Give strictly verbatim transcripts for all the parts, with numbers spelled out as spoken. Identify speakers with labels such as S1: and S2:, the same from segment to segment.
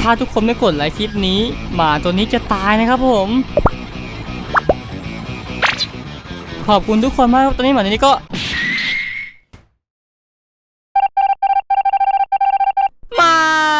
S1: ถ้าทุกคนไม่กดไลค์คลิปนี้หมาตัวนี้จะตายนะครับผมขอบคุณทุกคนมากตอนนี้หมาตัวนี้ก็ไม่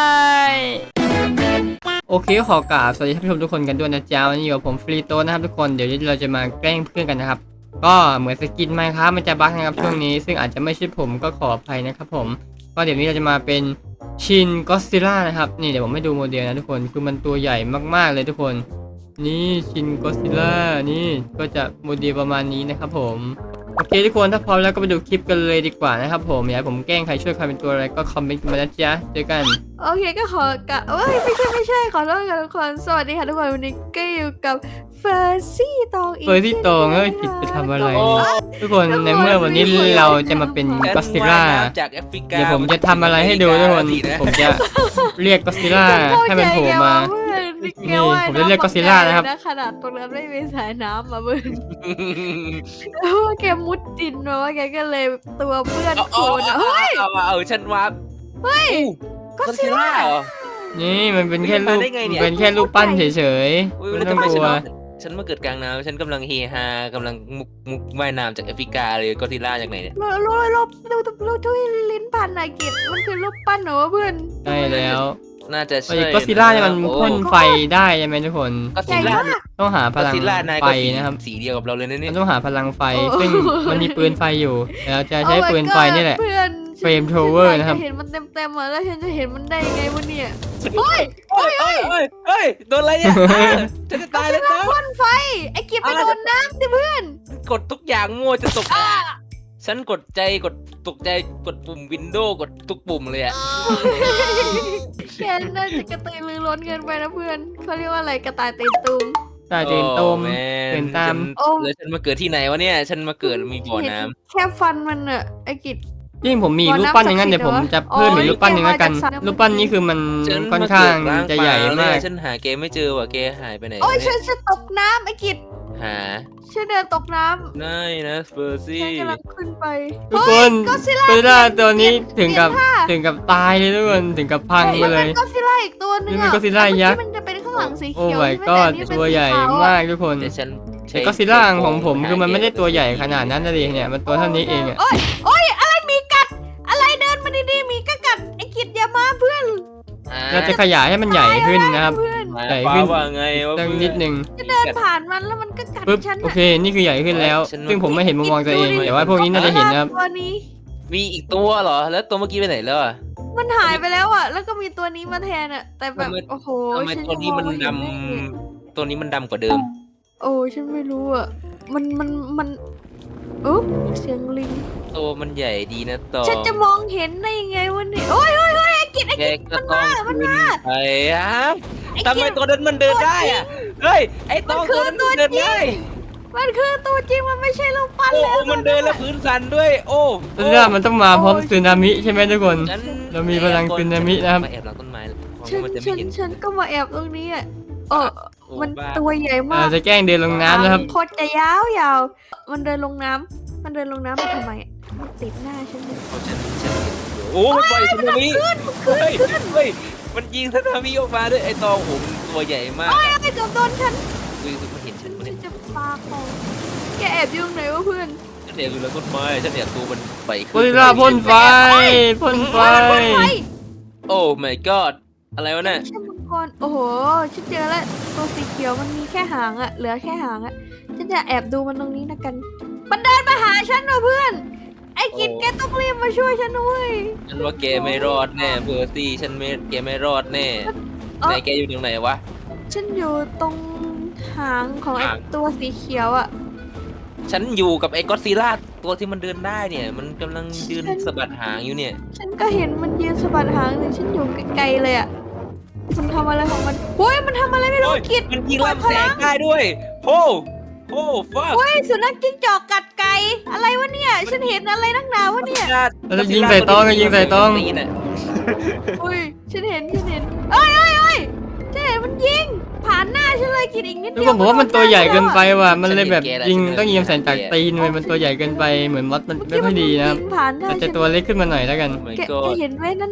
S1: โอเคขอกราบสวัสดีท่านผู้ชมทุกคนกันด้วยนะจ๊ะวันนี้อยู่กับผมฟรีโต้นะครับทุกคนเดี๋ยวเราจะมาแกล้งเพื่อนกันนะครับก็เหมือนสกินไมค์ครับมันจะบั๊กนะครับช่วงนี้ซึ่งอาจจะไม่ใช่ผมก็ขออภัยนะครับผมก็เดี๋ยวนี้เราจะมาเป็นชินก็อดซิลล่านะครับนี่เดี๋ยวผมให้ดูโมเดลนะทุกคนคือมันตัวใหญ่มากๆเลยทุกคนนี่ชินก็อดซิลล่านี่ก็จะโมเดลประมาณนี้นะครับผมโอเคทุกคนถ้าพร้อมแล้วก็ไปดูคลิปกันเลยดีกว่านะครับผมอยากให้ผมแกล้งใครช่วยใครเป็นตัวอะไรก็คอมเมนต์มานะจ๊ะเจอกัน
S2: โอเคก็ขอกะเอ้ยไม่ใช่ไม่ใช่ขอโทษกันทุกคนสวัสดีค่ะทุกคนวันนี้ก็อยู่กับเฟอร์ซี่ตองอีก
S1: เฟอร์ซี่ตองเอ้ยผิดไปทำอะไรทุกคนในเมื่อวันนี้เราจะมาเป็นก็อดซิลล่าเดี๋ยวผมจะทำอะไรให้ดูทุกคนผมจะเรียกก็อดซิลล่าให้มันโผล่มานี่ผมจะเรียกก็อดซิลล่านะครับ
S2: ขนาดตรงนั้นไม่มีสายน้ำมาเบิ้ลแกมุดดินมาว่าแกก็เลยตัวเพื่อนโคลนเฮ้ย
S3: เอาเอาฉันว่า
S2: เฮ้ยก็อดซิลล่า
S1: นี่มันเป็นแค่รูปเป็นแค่รูปปั้นเฉยๆไม่ต้องกลัว
S3: ฉันมาเกิดกลางน้ำฉันกำลังเฮฮากำลังมุกมุกว่ายน้ำจากแอฟริกาเลยก็อดซิลล่าจากไหนเนี่ย
S2: รูปรูปรูปรูปทุยลิ้นพันนากิจมันคือรูปปั้นเหรอเพื่อน
S1: ใช่แล้ว
S3: น่าจะใช่
S1: ก็อดซิลล่าเนี่ยมันพ่นไฟได้ใช่ไหมทุกคน
S3: ก็อดซิลล่า
S1: ต้องหาพลังไฟนะครับ
S3: สีเดียวกับเราเลยนะเนี่ย
S1: ต้องหาพลังไฟซึ่งมันมีปืนไฟอยู่แล้วจะใช้ปืนไฟนี่แหละเฟรมโทเวอร์นะครับ
S2: เห็นมันเต็มๆอ่ะแล้วฉันจะเห็นมันได้ยังไงวะเนี่ย
S3: เฮ้ยเฮ้ยเฮ้ยเฮ้ยโดนอะไรเนี่ยฉันจะตายแล้วนะ
S2: พ่นไฟไอ้กิจไปโดนน้ำสิเพื่อน
S3: กดทุกอย่างมั่วจะตกฉันกดใจกดตกใจกดปุ่มวินโดว์กดทุกปุ่มเลยอะ
S2: แกน่าจะกระตือรือร้นเกินไปนะเพื่อนเขาเรียกว่าอะไรกระต่ายตีนตุ่ม
S1: ตายตีนตุ่มเป็นตาม
S3: แล้วฉันมาเกิดที่ไหนวะเนี่ยฉันมาเกิดมีบ่อน้ำ
S2: แค่ฟันมันอะไอ้กิจ
S1: ยิ่งผมมีรูปปั้นอย่างนั้นเดี๋ยวผมจะเพิ่มอีกรูปปั้นหนึ่งแล้วกันรูปปั้นนี้คือมันค่อนข้างจะใหญ่มาก
S3: ฉันหาแกไม่เจอว่ะแกหายไปไหน
S2: โอ้ยฉันจะตกน้ำไอ้กิจ
S3: หา
S2: ฉันเดินตกน้ำ
S3: ได้นะเฟอร์ซี่
S2: ฉันกำลังขึ้นไป
S1: ทุกคนก็อดซิลล่าตัวนี้ถึงกับถึงกับตายเลยทุกคนถึงกับพังไปเลย
S2: ก็อดซิลล่าอีกตัวนึง
S1: อ่ะก็อดซิลล่ายักษ์
S2: มันจะเป็นข้างหลังสีเขียว
S1: โอ้ my god ตัวใหญ่มากทุกคนแต่ก็อดซิลล่าของผมคือมันไม่ได้ตัวใหญ่ขนาดนั้นนะดิเนี่ยมันตัวเท่านี้เองอ่ะ
S2: โอ้ยโอ้ยอะไรมีกัดอะไรเดินมาดีๆมีก็กัดไอ้กิจอย่ามาเพื่อน
S1: เราจะขยายให้มันใหญ่ขึ้นนะครับใหญ่ขึ้นตั้งนิดนึง
S2: จะเดินผ่านมันแล้วมันก็กัดฉัน
S1: โอเคนี่คือใหญ่ขึ้นแล้วซึ่งผมไม่เห็นมุมมองตัวเองแต่ว่าพวกนี้น่าจะเห็นนะครับ
S2: ตัวนี้
S3: มีอีกตัวเหรอแล้วตัวเมื่อกี้ไปไหนแล้วอ่ะ
S2: มันหายไปแล้วอ่ะแล้วก็มีตัวนี้มาแทนอ่ะแต่แบบโอ้โห
S3: ทำไมตัวนี้มันดำตัวนี้มันดำกว่าเดิม
S2: โอ้ฉันไม่รู้อ่ะมันมันมันโอ้เสียงลิง
S3: ตัวมันใหญ่ดีนะต่อ
S2: ฉันจะมองเห็นได้ยังไงวะเนี่ยโอ้ยโอ้ยโอ้ยไอ้กิจไอ้กิจมันมามันมา
S3: ไอ้ฮะทำไมตัวนั้นมันเดินได้อ่ะเฮ้ยไอ้ตัวนั้นมันเดินได้
S2: มันคือตัวจริงมันไม่ใช่ลูกปั้นแล้ว
S3: มันเดินแล้วพื้นสั่นด้วยโอ้
S1: เรื่องมันต้องมาพร้อมสึนามิใช่ไหมทุกคนเรามีพลังสึนามินะครับ
S3: มาแอบหลังต้นไม้
S2: ฉันฉันฉันก็มาแอบตรงนี้อ่ะเออมันตัวใหญ่มาก
S1: จะแกล้งเดินลงน้ำนะครับ
S2: โคตรจะยาวยาวมันเดินลงน้ำมันเดินลงน้ำมาทำไมมันติดหน้าฉันเลย
S3: โอ้มันปล่อยสึนามิเฮ้ยเฮ้ยมันยิงสึนามิออกมาด้วยไอ้ตองผมตัวใหญ่มาก
S2: ไอ้เกือบโดนฉัน
S3: อุ้ยมันเห็นฉันมัน
S2: จะปาของแกแอบยุ่งไหนวะเพื่อน
S3: ฉันแอบอยู่หลังต้นไม้ฉันแอบตัวมันไป
S1: ก็อดซิลล่าพ่นไฟพ่นไฟ
S3: โอ้ my god อะไรวะเนี่ย
S2: ฉันมังกรโอ้โหฉันเจอแล้วตัวสีเขียวมันมีแค่หางอะเหลือแค่หางอะฉันจะแอบดูมันตรงนี้นะกันมันเดินมาหาฉันนะเพื่อนไอ้กิจแกต้องรีบมาช่วยฉันด้วย
S3: ฉันว่าแกไม่รอดแน่เบอร์ซี่ฉันไม่แกไม่รอดแน่ไหนแกอยู่ตรงไหนวะ
S2: ฉันอยู่ตรงหางของไอ้ตัวสีเขียวอะ
S3: ฉันอยู่กับไอ้ก็อดซิลล่าตัวที่มันเดินได้เนี่ยมันกำลังยืนสะบัดหางอยู่เนี่ย
S2: ฉันก็เห็นมันยืนสะบัดหางเลยฉันอยู่ไกลๆเลยอะมันทำอะไรของมันโอ้ยมันทำอะไรไม่รู้กิจ
S3: มันยิงลำแสงได้ด้วยโอ้โอ้ฟ้า
S2: โอ้ยสุนัขจิ้งจอกกัดไก่อะไรวะเนี่ยฉันเห็นอะไรนักหนาวะเนี่ย
S1: แล้วยิงใส่ต้องยิงใส่ต้อง
S2: โอ้ยฉันเห็นฉันเห็นเอ้ยเอ้ยเอ้ยฉันเห็นมันยิงผ่านหน้าฉันเลยกินอีกนิดเดียว
S1: ผมว่ามันตัวใหญ่เกินไปว่ะมันเลยแบบยิงต้องยิงใส่จากตีนเลยมันตัวใหญ่เกินไปเหมือนมอสมันไม่ค่อยดีนะครับแต่จะตัวเล็กขึ้นมาหน่อยแล้วกัน
S2: แกเห็นไหมนั่นม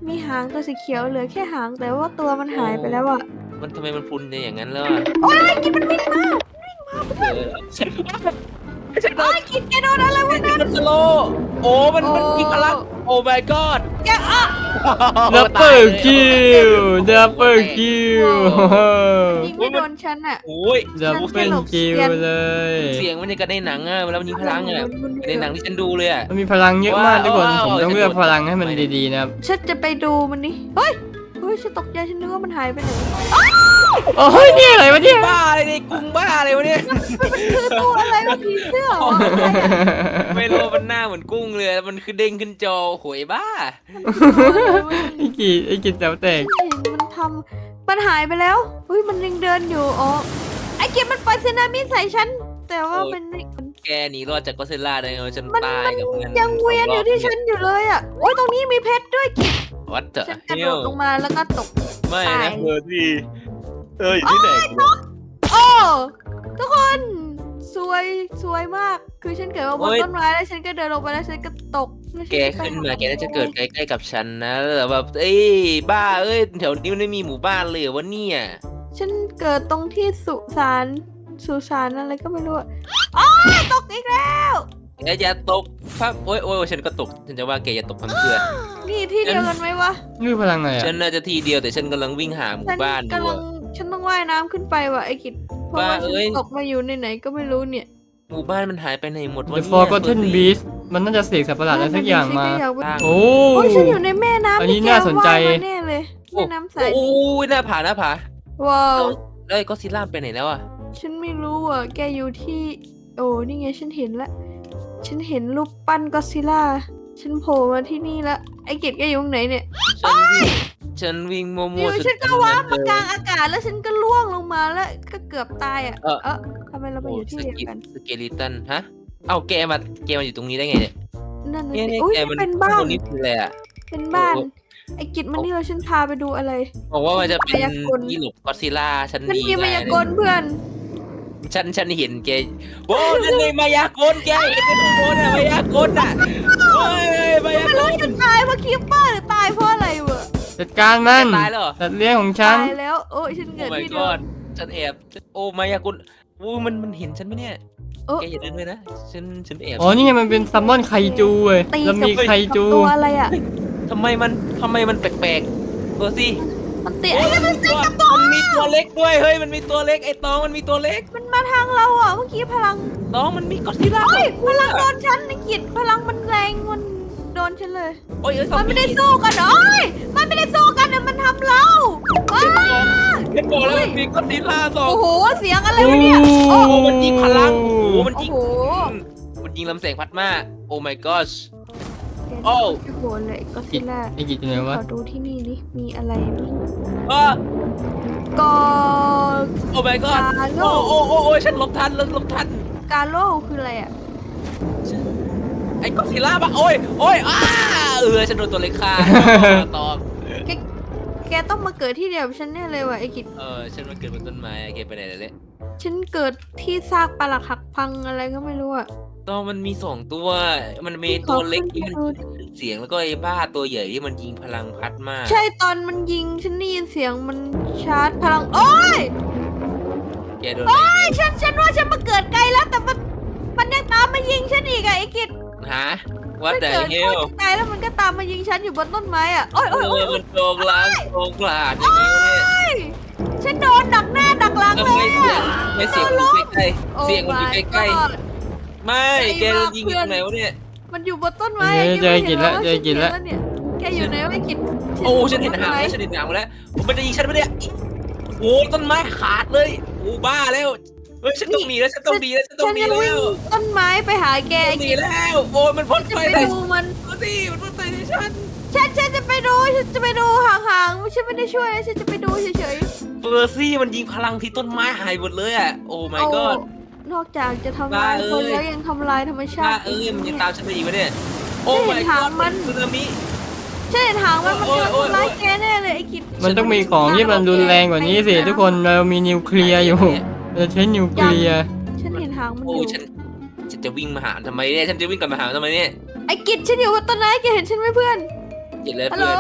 S2: มีหางตัวสีเขียวเหลือแค่หางแต่ว่าตัวมันหายไปแล้วอ่ะ
S3: มันทำไมมันพรุนอย่างนั้นแล้วอะ
S2: โอ้ยกินมันวิ่งมา
S3: เออฉันฉันโด
S2: โอ้
S3: น
S2: ยกินแกโดนอะไรวะ
S3: มันมันสโลว์โอ้มันมันมีพลังโอ้ my god
S2: แกอ่ะ
S1: ดับเบิลคิวดับเบิลคิว
S2: ยิงไม่โดนฉันอ่ะ
S3: โอ้ย
S1: ดับเบิลคิวเลย
S3: เสียงมันยังกับในหนังอะเวลามันยิงพลังอะในหนังที่ฉันดูเลยอะ
S1: มันมีพลังเยอะมากทุกคน
S3: ว้าว
S1: ผมต้องเลือกพลังให้มันดีๆนะครับ
S2: ฉันจะไปดูมันนี่เฮ้ยเฮ้ยฉันตกใจฉันนึกว่ามันหายไปไหน
S1: โอ้ยนี่อะไรวะเนี่ย
S3: บ้าอะไรเนี่ยกุ้งบ้าอะไรวะเนี่ย
S2: คือตัวอะไรวะผีเสื้อเหรอ
S3: ไม่รู้มันหน้าเหมือนกุ้งเลยมันคือเด้งขึ้นจอโหยบ้า
S1: ไอ้กีไอ้กีแต๋วแตก
S2: เห็นมันทำมันหายไปแล้วเฮ้ยมันยังเดินอยู่อ๋อไอ้เกมมันปล่อยสึนามิใส่ฉันแต่ว่ามันไม่
S3: แกหนีรอดจากก็อดซิลล่าได้ไงวะฉัน
S2: มัน
S3: ตาย
S2: มัน
S3: กับมัน
S2: ยังเวียนอยู่ที่ฉันอยู่เลยอ่ะโอ้ยตรงนี้มีเพชรด้วยกิจ
S3: วัดเถอะ
S2: ฉันกระ
S3: เฮี
S2: โด
S3: ย
S2: ดลงมาแล้วก็ตก
S3: ไม่
S2: ตาย
S3: นะเบอร์ที่เอออยู่ที่ไหน
S2: โอ้ทุกคนสวยสวยมาก คือฉันเกิดมาบนต้นไม้แล้วฉันก็เดินลงไปแล้วฉันก็ตกล้วฉั
S3: แก
S2: จะไป
S3: ขึ้นมา
S2: ห
S3: แกน่าจะเกิดใกล้ๆกับฉันนะแต่แบบเอ้ยบ้าเอ้ยแถวนี้มันไม่มีหมู่บ้านเลยเหรอวะเนี่ย
S2: ฉันเกิดตรงที่สุสานสุสานอะไรก็ไม่รู้อะอ๋อตกอีกแล้ว
S3: แกอย่าตกพับโอ้ยโอ้ยฉันก็ตกฉันจะว่าแกอย่าตกพังเพื่อน
S2: นี่ที่เดียวกันไหมวะ
S1: นี่พลังอะไรอ่ะ
S3: ฉันน่าจะทีเดียวแต่ฉันกำลังวิ่งหาหมู่
S2: ฉัน
S3: บ้านอยู่
S2: กำลั
S3: อะ
S2: งฉันต้องว่ายน้ำขึ้นไปว่ะไอ้กิจเพราะว่า
S3: บ้า
S2: ฉั
S3: เอ้ย
S2: นตกมาอยู่ในไหนก็ไม่รู้เนี่ย
S3: หมู่บ้านมันหายไปไหนหมดวะ
S1: The
S3: เนี่ย
S1: Forgotten Beast มันน่าจะเสกสัตว์ประหลาดอะไรสักอย่างมา
S2: ฉันก็อยากไป
S1: โอ้
S2: โอ้ยฉันอยู่ในแม่น้ำ
S1: อันนี้
S2: ที่แก
S1: น่าสนใจ
S2: ว่ายมาแน่เลยแม่น้ำใส
S3: โอ้ยหน้าผาหน้าผา
S2: ว้าว
S3: แล้วไอ้ก็อดซิลล่าไปไหนแล้วอะ
S2: ฉันไม่รู้อ่ะแกอยู่ที่ โอ้นี่ไงฉันเห็นละฉันเห็นรูปปั้นก็อดซิลล่าฉันโผล่มาที่นี่ละไอ้กิจแกอยู่ตรงไหนเนี่ย
S3: ฉันวิ่งฉันวิ่งมั
S2: อ
S3: ว
S2: ยู่
S3: ๆ
S2: ฉันก็
S3: จ
S2: ว้าบ
S3: เจ
S2: มา
S3: อก
S2: ลางอากาศแล้วฉันก็ล่วงลงมาแล้วก็เกือบตายอ่ะ
S3: เออ
S2: เออทำไมเราไป
S3: โอ้
S2: อยู่ที่
S3: ส
S2: เดียว
S3: กิ
S2: กัน
S3: สเกลิตันฮะเอ้าแกมาแกมาอยู่ตรงนี้ได้ไงเนี่ย
S2: นั่นน่ะ
S3: เนี่ย
S2: สิ
S3: เนี่ย
S2: อุ้ย
S3: แกมัน
S2: เป็นบ้า
S3: ต
S2: น
S3: รงนี้คืออะไรอะ
S2: เป็นบ้าน
S3: โอ้
S2: ไอ้กิจมันนี่เราฉันพาไปดูอะไร
S3: บอกว่ามันจะเป็น
S2: มายากล
S3: ที่หลบก็อดซิลล่าฉัน
S2: ฉัน
S3: ดี
S2: มีมายากลเพื่อน
S3: ฉันฉันเห็นแกโอ้นั่นไงมายากลแกเห็นเป็นโคนอะมายากลอะโอ้ยมายา
S2: ไม่
S3: ก
S2: รู้
S3: ล
S2: จะตายเพราะคิปเปอร์หรือตายเพราะอะไรวะ
S1: จัดการมัน
S3: ตายแล้วเหรอ
S1: สัตว์เลี้ยงของฉัน
S2: ตายแล้วโอ้ยฉัน
S3: โอ้
S2: เกิด
S3: my
S2: ที่เดิม
S3: god ฉันแอบโอ้มายากลโอ้มันมันเห็นฉันไหมเนี่ย
S2: เออ
S3: แกอย่าเดินไปนะฉันฉันแอบ
S1: อ๋อ นี่ไงมันเป็นซัมมอนไคจูเว้ย
S2: ตี
S1: แล้ว
S2: กับ
S1: มีไคจู
S2: กับตัวอะไรอ่ะ
S3: ทำไมมันทำไมมันแปลกๆเบอร์ซี่
S2: มันตี
S3: โอ้ยมันมีตัวมันมีตัวเล็กด้วยเฮ้ยมันมีตัวเล็กไอ้ตองมันมีตัวเล็ก
S2: มันมาทางเราอ่ะเมื่อกี้พลัง
S3: ตองมันมีก็อดซิลล่า
S2: เฮ้ยพลังโดนฉันไอ้กิจพลังมันแรงมันโดนฉันเลย
S3: โอ้ยเอ้ยซอ
S2: มั
S3: ม
S2: นไม่
S3: บี้
S2: ได้สู้กันเหรอเอ้ยมันไม่ได้สู้กันนะมันทำเราอ้า
S3: ฉันบอกแล้วมันมีก็อดซิลล่าสอง
S2: โอ้โหเสียงอะไรวะเนี่ย
S3: โอ้โหมันยิงพลังโอ้โหมัน
S2: โอ้
S3: ยิง
S2: โห
S3: มันยิงลำแสงพัดมาโอ้ my gosh
S2: แก
S3: โอ้
S2: นี่โอ้โหเลยก็ซิล่า
S1: ไอ้กิจอยู่ไหนวะ
S2: ขอดูที่นี่นี่มีอะไรมั้ย
S3: อ้า
S2: ก็
S3: โอ้ my god
S2: กาโล
S3: โอ้โอ้โอ้โอ้ยฉันหลบทันหลบทัน
S2: กาโลคืออะไรอ่ะ
S3: ไอ้ก็อดซิลล่าปะโอ้ยโอ้ยอ้าเออฉันโดนตัวเล็กฆ่าตอง
S2: แกแกต้องมาเกิดที่เดียวกับฉันแน่เลยว่ะไอ้กิจ
S3: เออฉันมาเกิดบนต้นไม้แกไปไหนแล้วเนี่ย
S2: ฉันเกิดที่ซากปลักหักพังอะไรก็ไม่รู้อ่ะ
S3: ตองมันมีสองตัว มันมีตัวเล็กที่มันยิงเสียงแล้วก็ไอ้บ้าตัวใหญ่ที่มันยิงพลังพัดมาก
S2: ใช่ตอนมันยิงฉันได้ยินเสียงมันชาร์จพลังโอ้ย
S3: แกโดน
S2: โอ้ยฉันฉันว่าฉันมาเกิดไกลแล้วแต่มันมันยังตามมายิงฉันอีกอะไอ้กิจ
S3: ฮะว่า
S2: มัน
S3: แต่
S2: เกิด
S3: เฮ
S2: โค
S3: ล
S2: ตรไกลแล้วมันก็ตามมายิงฉันอยู่บนต้นไม้อะโอ้ย
S3: เอ
S2: โอ้ยโอ้ย
S3: อมันโกงล้างโกงกลาดอย่างนี้เนี่ย
S2: ฉันโดนดักหน้าดักหลัง
S3: ทำ
S2: เล
S3: ไม
S2: ย
S3: เสีย
S2: อะ
S3: งไม่เสียงมันอยู่ใกล้
S2: โอ้
S3: ๆเสียงมันอยู่
S2: my
S3: ใกล้
S2: god
S3: ๆไม่แกโดนยิงอยู่ตรงไหนวะเนี่ย
S2: มันอยู่บนต้นไม้
S1: เจอเจอกิจแล้ว
S2: แ
S1: เจอกิจแล้ว
S2: เนี่ยแกอยู่ไหนวะไอ้กิจ
S3: โอ้ฉันเห็นหางแล้วฉันเห็นหางมาแล้วมันจะยิงฉันปะเนี่ยโอ้ต้นไม้ขาดเลยโอ้บ้าแล้วเฮ้ยฉันต้องหนีแล้วฉันต้องหนีแล้วฉันต้อ
S2: ฉั
S3: ง
S2: น
S3: หนี
S2: จะ
S3: แล้
S2: วิ่ง
S3: ว
S2: ต้นไม้ไปหาแก
S3: ต้อ
S2: ไอ้
S3: งหนี
S2: กิจ
S3: แล้วโอ้ยมันพ่น
S2: จะ
S3: ไฟ
S2: ไป
S3: ใส่
S2: ดูมัน
S3: ดูสิมันพ่นไฟใส่ฉัน
S2: ฉันฉันจะไปดูฉันจะไปดูห่างๆฉันไม่ได้ช่วยนะฉันจะไปดูเฉย
S3: เฟอร์ซี่มันยิงพลังที่ต้นไม้หายหมดเลยอ่ะโอ้
S2: ๆ
S3: my god
S2: นอกจากจะทำลาย
S3: บ้าเอ้ย
S2: คนแล้วยังทำลายธรรมชา
S3: บ้า
S2: ติ
S3: เอ้ยมันยังตามฉันไปอีกวะเนี่ยโอ้
S2: ฉัน
S3: my
S2: เห็นหาง
S3: god
S2: มัน
S3: สึนามิ
S2: ฉันเห็นหางมันมัน
S3: โอ้ย
S2: กำลัง
S3: โอ้ย
S2: ทำร้ายแกแน่เลยไอ้กิจ
S1: มันต้องมีของที่มันรุนแรงกว่านี้สิ ทุกคนเรามีนิวเคลียร์อยู่เราใช้นิวเคลียร์
S2: ฉันเห็นหางมันอ
S3: โอ้
S2: ยู่
S3: ฉันฉันจะวิ่งมาหาทำไมเนี่ยฉันจะวิ่งกลับมาหาทำไมเนี่ย
S2: ไอ้กิจฉันอยู่บนต้นไม้แกเห็นฉันไหมเพื่อน
S3: เจ็ดเลย
S2: ฮัลโหล
S3: เพื่อน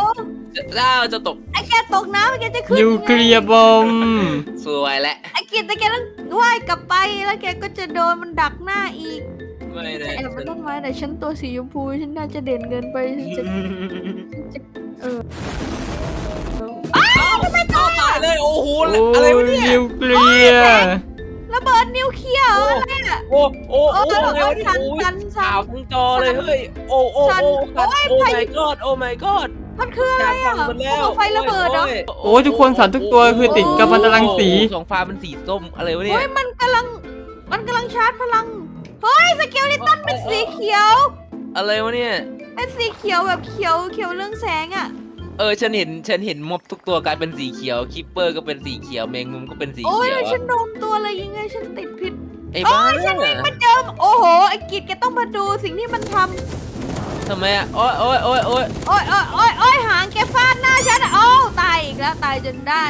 S3: เจ้าจะตก
S2: ไอ้แกตกน้ำไอ้แกจะขึ้น
S1: นิวเคลียร์บอม
S3: สวยแล้ว
S2: ไอ้กิจแต่แกต้องว่ายกลับไปแล้วแกก็จะโดนมันดักหน้าอีก
S3: ไม่ได้
S2: แอบมาต้นไม้แต่ฉันตัวสีชมพูฉันน่าจะเด่นเกินไปฉันจะฉันจะเออ
S3: อ้าวทำไมตายเลยโอ้โห
S1: โอ้
S3: อะไรวะเนี่ย
S1: นิวเคลียร์
S2: ระเบิดนิวเคลียร์เหรออะไรอะ
S3: โอ้โอ้
S2: โอ้
S3: โอ้
S2: ย
S3: อะไรวะเนี่ย
S2: สั่น
S3: โอ้ย
S2: สั่นสั่
S3: ข่าวน ทั้งจอเลยเฮ้ยโอ้โอ้
S2: สั่น
S3: โอ้
S2: โอ้ย
S3: โอ้
S2: พายุ
S3: my god โอ้ my god
S2: มันคืออะไรอ่ะ
S3: หมดแล้ว
S2: ภูเขาไฟระเบิดเหรอ
S1: โอ้ยทุกคนสัตว์ทุกตัวคือติดกัมมันตรังสี
S3: สองฟ้ามันสีส้มอะไรวะเนี่ย
S2: เฮ้ยมันกำลังมันกำลังชาร์จพลังเฮ้ยสเกลลิตันเป็นสีเขียว
S3: อะไรวะเนี่ย
S2: เป็นสีเขียวแบบเขียวเขียวเรื่องแสงอ่ะ
S3: เออฉันเห็นฉันเห็นม็อบทุกตัวกลายเป็นสีเขียวคิปเปอร์ก็เป็นสีเขียวแมงมุมก็เป็นสี
S2: โอ้ย
S3: เขียว
S2: ฉันโดนตัวเลยยังไงฉันติดพิษ
S3: ไอ้บ้า
S2: มันเจอโอ้โหไอ้กิจแกต้องมาดูสิ่งที่มันทำ
S3: ทำไมอ่ะโอ้ยโอ้ยโอ้ยโอ้ย
S2: โอ้ยโอ้ยโอ้ยโอ้ยหางแกฟาดหน้าฉันอะโอ้ตายอีกแล้วตายจนได้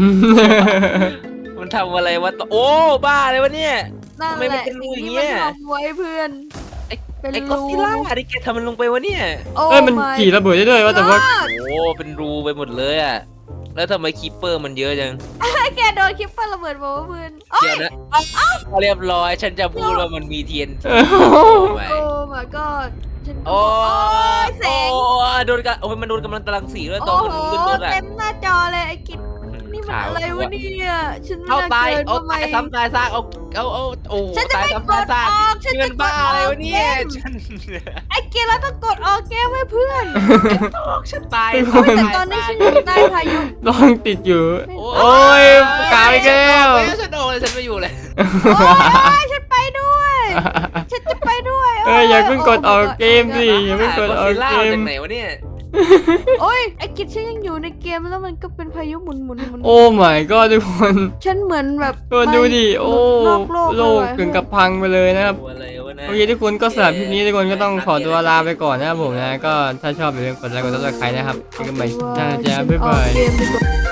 S3: มันทำอะไรวะโอ้บ้าเลยวะเนี่ย
S2: นั่น
S3: ทำไม
S2: แห
S3: มัน
S2: ละ
S3: เป็นรู
S2: สิ่ง
S3: อย่าง
S2: ที่
S3: เงี้
S2: มัน
S3: ย
S2: ทำไว้เพื่อน
S3: ไอ้
S2: เป็น
S3: ไอ้
S2: รู
S3: ก็อดซิลล่าที่แกทำมันลงไปวะเนี่ย
S2: โอ้
S1: เอ้ยมัน
S2: my
S1: ขี่ระเบิดได้ด้วยว่าแต่ว่า
S2: god
S3: โอ้เป็นรูไปหมดเลยอ่ะแล้วทำไมคิปเปอร์มันเยอะจัง
S2: ไอ้แกโดนคิปเปอร์ระเบิดบอกว่าเพื่อนโอ้
S3: เดี๋
S2: ย
S3: ยวนะเรียบร้อยฉันจะพูดว่ามันมีเทียน
S1: เออ
S3: ไป
S2: โอ้ my god ฉันก็
S3: โอ้
S2: ยแสง
S3: โอ้โดนกันโอ้ยมันโดนกำลังตรังสีด้วยตอ
S2: โอ้
S3: น
S2: โห
S3: มันขึ้นรถอ่ะ
S2: เต็มหน้าจอเลยไอ้กิจนี่มันอะไรวะเนี่ยฉันไม่
S3: เอา
S2: น่า
S3: ตาย
S2: เกิน
S3: เอา
S2: ทำไม
S3: ตายซ้ำตายซากเอาเอาเอาโอ้
S2: ฉันจะ
S3: ตาย
S2: ไม่
S3: ซ้ำ
S2: ก
S3: ตาย
S2: ด
S3: ซาก
S2: ออกฉัน
S3: นี่
S2: จะ
S3: มัน
S2: ก
S3: บ้า
S2: ดอ
S3: อะไร
S2: อก
S3: วะเนี่ย
S2: เกม
S3: ฉัน
S2: ไอ้กิจเราต้องกดออกเกมไว้เพื่อน
S3: ฉันตาย
S2: โอ้ยแต่ตอนนี้ฉันอยู่ใต้พายุ
S1: ลองติดอยู่ โอ้ยกาวอีกแล้ว
S3: ฉันโดนเลยฉันไม่อยู่เลย
S2: โอ้ยฉันไปด้วย ฉันจะไปด้วย
S1: เอออย่าเพิ่งกดออกเกมสิอย่าเพิ่งกดออก
S3: ล่า
S1: เก
S3: จาม กไหนวะเนี่ย
S2: โอ้ยไอ้กิจฉันยังอยู่ในเกมแล้วมันก็เป็นพายุหมุนหมุนหมุน
S1: โอ้ my god ทุกคน
S2: ฉันเหมือนแบบ
S1: ตัวดูดิโอ้
S2: นอกโลก
S1: โลก
S2: เลย
S1: ถึงกับพังไปเลยนะครับ
S3: อะไรวะนะ
S1: โอเคทุกคนก็สำหรับคลิปนี้ทุกคนก็ต้องขอตัวลาไปก่อนนะครับผมนะก็ถ้าชอบอย่าลืมกดไลค์กดซับสไครต์นะครับเจอกันใหม่หน้าจ้าบ๊ายบาย
S2: ออกเกมดีกว่า